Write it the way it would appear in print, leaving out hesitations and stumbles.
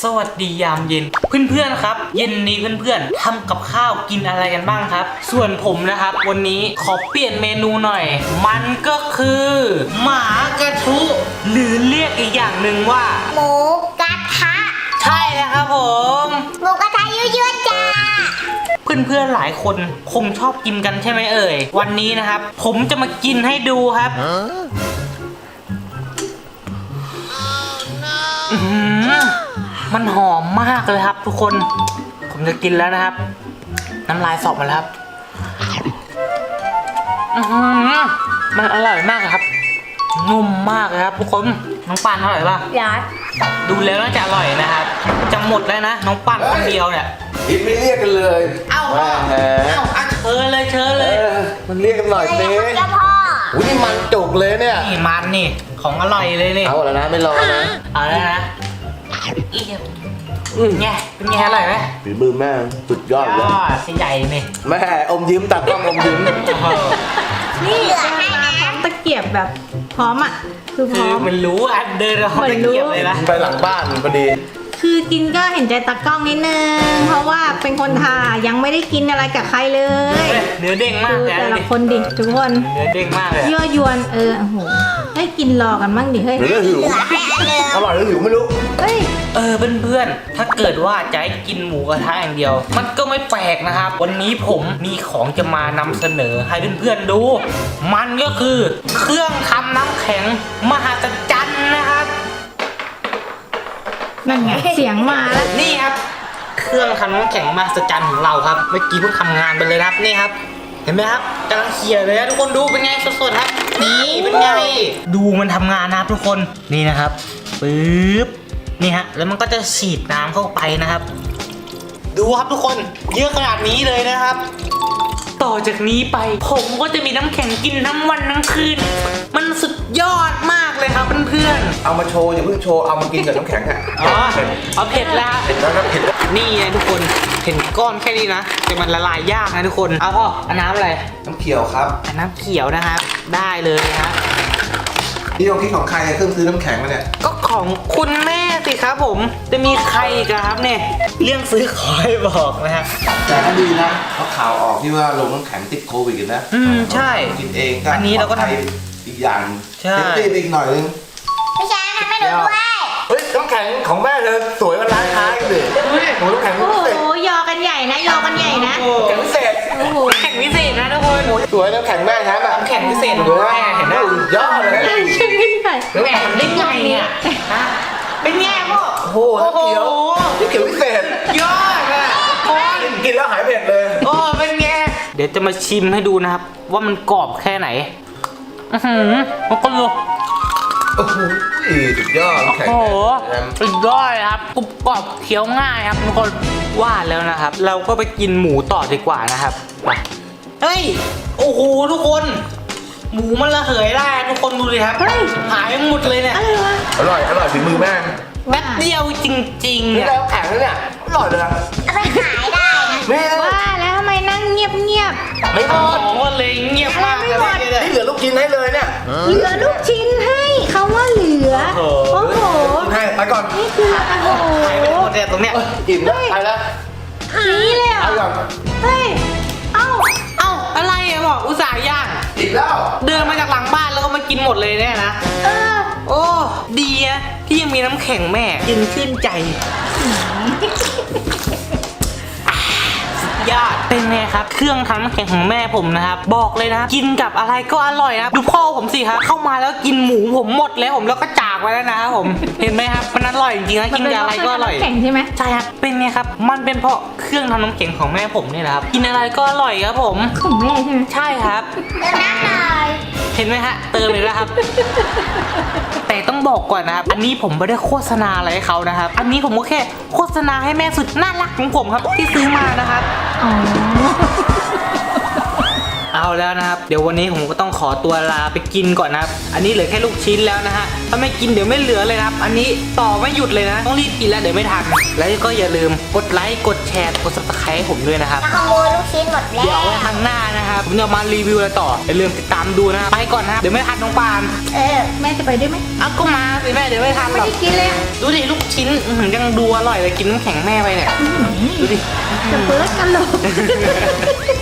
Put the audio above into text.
สวัสดียามเย็นเพื่อนๆครับเย็นนี้เพื่อนๆทำกับข้าวกินอะไรกันบ้างครับส่วนผมนะครับวันนี้ขอเปลี่ยนเมนูหน่อยมันก็คือหมากระทุหรือเรียกอีกอย่างหนึ่งว่าหมูกระทะใช่แล้วครับผมหมูกระทะยั่วๆจ้าเพื่อนๆหลายคนคงชอบกินกันใช่ไหมเอ่ยวันนี้นะครับผมจะมากินให้ดูครับมันหอมมากเลยครับทุกคนผมจะกินแล้วนะครับน้ำลายสอบมาแล้วครับมันอร่อยมากครับนุ่มมากเลยครับทุกคนน้องปานอร่อยป่ะยัดดูแล้วน่าจะอร่อยนะครับจะหมดแล้วนะน้องปานคนเดียวเนี่ยอินไม่เรียกกันเลยเอ้าเชิญเลยมันเรียกกันหน่อยสิเจ้าพ่ออุ้ยมันจุกเลยเนี่ยนี่มันนี่ของอร่อยเลยนี่เอาแล้วนะไม่รอนะเอาแล้วนะไงเป็นไงอร่อยไหมฝีมือแม่สุดยอดเลยใหญ่นี่แม่อมยิ้มตัดกล้องอมยิ้มนี่มาพร้อมตะเกียบแบบพร้อมอ่ะคือพร้อมมันรู้อ่ะเดินเราตะเกียบเลยนะไปหลังบ้านพอดีคือกินก็เห็นใจตากล้องนิดนึงเพราะว่าเป็นคนทายังไม่ได้กินอะไรกับใครเลยเนื้อเด้งมากแต่ละคนดิทุกคนเนื้อเด้งมากเลยยั่วยวนโอ้โหให้กินรอกันบ้างดิเฮ้ยหิวอร่อยหรือหิวไม่รู้เฮ้ยเพื่อนๆถ้าเกิดว่าจะให้กินหมูกระทะอย่างเดียวมันก็ไม่แปลกนะครับวันนี้ผมมีของจะมานำเสนอให้เพื่อนๆดูมันก็คือเครื่องทำน้ำแข็งมหัศจรรย์นะครับนั่นไงเสียงมาแล้วนี่ครับเครื่องทำน้ำแข็งมหัศจรรย์ของเราครับเมื่อกี้เพิ่งทำงานไปเลยครับนี่ครับเห็นไหมครับกำลังเขี่ยเลยนะทุกคนดูเป็นไงสดๆครับนี่เป็นไงดูมันทำงานนะครับทุกคนนี่นะครับปึ๊บนี่ฮะแล้วมันก็จะฉีดน้ำเข้าไปนะครับดูครับทุกคนเยอะขนาดนี้เลยนะครับต่อจากนี้ไปผมก็จะมีน้ำแข็งกินทั้งวันทั้งคืนมันสุดยอดมากเลยครับเพื่อนๆเอามาโชว์อย่าเพิ่งโชว์เอามากินกับน้ำแข็งอ่ะเอาเผ็ดแล้วเผ็ดแล้วครับเผ็ดนี่ไงทุกคนเห็นก้อนแค่นี้นะแต่มันละลายยากนะทุกคนเอาพ่อเอาน้ำอะไรน้ำเขียวครับน้ำเขียวนะครับได้เลยฮะนี่ลองคิดของใครเครื่องซื้อน้ำแข็งมาเนี่ยก็ของคุณแม่สิครับผมจะมีใครอีกครับเนี่ยเรื่องซื้อขอให้บอกนะฮะแต่ก็ดีนะเพราะข่าวออกที่ว่าลงน้ำแข็งติดโควิดกันนะใช่กินเองอันนี้เราก็ทำอีกอย่างใช่ตีอีกหน่อยนึงพี่ช้างทำให้หนูด้วยเฮ้ยน้ำแข็งของแม่เธอสวยมันร้านค้ากันดิโอ้น้ำแข็งพิเศษโอ้ยอกันใหญ่นะยอกันใหญ่นะแข็งพิเศษโอ้โหแข็งพิเศษนะทุกคนสวยน้ำแข็งแม่แท้แบบแข็งพิเศษดูแม่เห็นไหมยอดเลยชิมขึ้นไปแม่ได้ไงเนี่ยเป็นไงพ่อโอ้โหน้ำเขียวนี่เขียวพิเศษยอดอ่ะกินแล้วหายเผ็ดเลยโอ้เป็นไงเดี๋ยวจะมาชิมให้ดูนะครับว่ามันกรอบแค่ไหนมันก็รู้โอ้โหสุดยอดแข็งสุดยอดครับกรุบกรอบเคี้ยวง่ายครับทุกคนว่าแล้วนะครับเราก็ไปกินหมูต่อดีกว่านะครับไปเฮ้ยโอ้โหทุกคนหมูมันระเหยได้ทุกคนดูเลยครับหายหมดเลยเนี่ยอร่อยฝีมือแม่แป๊บเดียวจริงๆนี่แล้วแข็งเนี่ยอร่อยเลยเอาไปขายได้นะว่าแล้วทำไมนั่งเงียบไม่พอเลยเงียบมากเลยนี่เหลือลูกชิ้นให้เลยเนี่ยเหลือลูกชิ้นให้เขาว่าเหลือโอ้โหให้ไปก่อนนี่คือโอ้โหหายไปหมดเลยตรงเนี้ยอิ่มแล้วไปแล้วนี่เลยเหรอเฮ้ยเอ้าอะไรอะบอกอุตส่าห์ย่างอิ่มแล้วเดินมาจากหลังบ้านแล้วก็มากินหมดเลยเนี่ยนะโอ้ดีอะที่ยังมีน้ำแข็งแม่ยินชื่นใจยอดเป็นไงครับเครื่องทำน้ำแข็งของแม่ผมนะครับบอกเลยนะกินกับอะไรก็อร่อยนะดูพ่อผมสิครับเข้ามาแล้วกินหมูผมหมดแล้วผมแล้วก็จากไปแล้วนะครับผมเห็นไหมครับมันอร่อยจริงๆนะกินกับอะไรก็อร่อยแข็งใช่ไหมใช่ครับเป็นไงครับมันเป็นเพราะเครื่องทำน้ำแข็งของแม่ผมนี่แหละครับกินอะไรก็อร่อยครับผมของแม่ใช่ไหมใช่ครับเติมน้ำหน่อยเห็นไหมฮะเติมเลยนะครับแต่ต้องบอกก่อนนะครับอันนี้ผมไม่ได้โฆษณาอะไรให้เขานะครับอันนี้ผมก็แค่โฆษณาให้แม่สุดน่ารักของผมครับที่ซื้อมานะครับอ๋อเอาาวแล้วนะครับเดี๋ยววันนี้ผมก็ต้องขอตัวลาไปกินก่อนนะครับอันนี้เหลือแค่ลูกชิ้นแล้วนะฮะถ้าไม่กินเดี๋ยวไม่เหลือเลยนะครับอันนี้ต่อไม่หยุดเลยนะต้องรีบกินแล้วเดี๋ยวไม่ทันแล้วก็อย่าลืมกดไลค์กดแชร์กด subscribe ให้ผมด้วยนะครับแล้วขโมยลูกชิ้นหมดแล้วเดี๋ยวเอาไว้ครั้งหน้านะครับผมจะมารีวิวอะไรต่ออย่าลืมติดตามดูนะครับไปก่อนนะครับเดี๋ยวไม่ทันน้องปานแม่จะไปด้วยไหมเอาก็มาสิแม่เดี๋ยวไม่ทันหไม่รอกได้กินเลยอะดูดิลูกชิ้นยังดูอร่อยเลยกินน้ำแข็งแม่ไปเนี่ยดูดิจะเปิดกันเลย